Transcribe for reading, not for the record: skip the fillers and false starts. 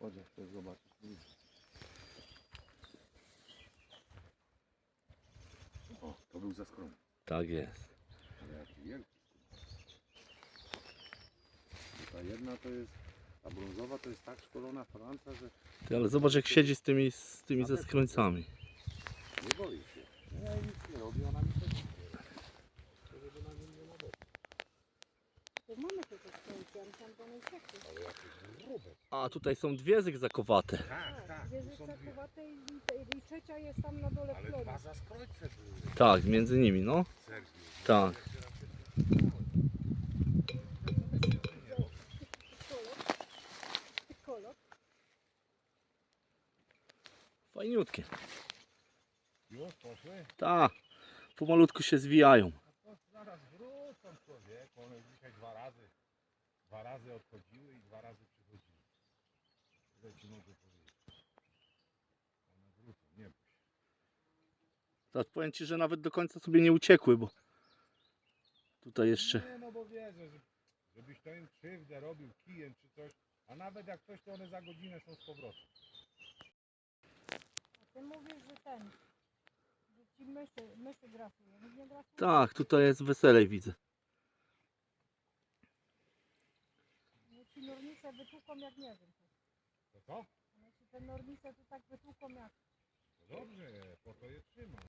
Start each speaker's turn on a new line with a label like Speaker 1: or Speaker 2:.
Speaker 1: Chodź, jak chcesz zobaczyć. O, to był za skromny.
Speaker 2: Tak jest.
Speaker 1: Ale jaki wielki. Ta jedna to jest, ta brązowa to jest tak szkolona Franca, że
Speaker 2: Ty, ale zobacz jak siedzi z tymi ze skrońcami.
Speaker 1: nie boi się. Ja jej nic nie robi, ona mi też nie robi. To żeby na nim nie nadobyć.
Speaker 3: To mamy te skrzynki, ale tam to nie uciekły.
Speaker 1: Ale jakieś grube.
Speaker 2: A tutaj są dwie zygzakowate.
Speaker 1: Tak, tak.
Speaker 3: Dwie
Speaker 1: Tu są dwie.
Speaker 3: zakowate i trzecia jest tam na dole w
Speaker 1: Ale
Speaker 3: klonie.
Speaker 1: dwa zaskrońce były.
Speaker 2: Tak, między nimi, no.
Speaker 1: Sergiej.
Speaker 2: Tak.
Speaker 3: Kolor.
Speaker 2: Fajniutkie.
Speaker 1: Już poszły?
Speaker 2: Tak. Pomalutku się zwijają.
Speaker 1: To zaraz wrócą człowieku. One dzisiaj dwa razy odchodziły i dwa razy przychodziły. Tyle ci mogę powiedzieć. One wrócą, nie bój się.
Speaker 2: Tak, powiem Ci, że nawet do końca sobie nie uciekły, bo tutaj jeszcze...
Speaker 1: Nie, no bo wiedzę, żebyś to im krzywdę robił kijem czy coś, a nawet jak coś, to one za godzinę są z powrotem.
Speaker 3: A ty mówisz, że że ci myszy grasują. Nikt nie grasuje.
Speaker 2: Tak, tutaj jest weselej, widzę.
Speaker 3: No ci nornice wytłuką jak nie wiem.
Speaker 1: To co?
Speaker 3: No ci te nornice to tak wytłuką jak...
Speaker 1: No dobrze, po to je trzyma.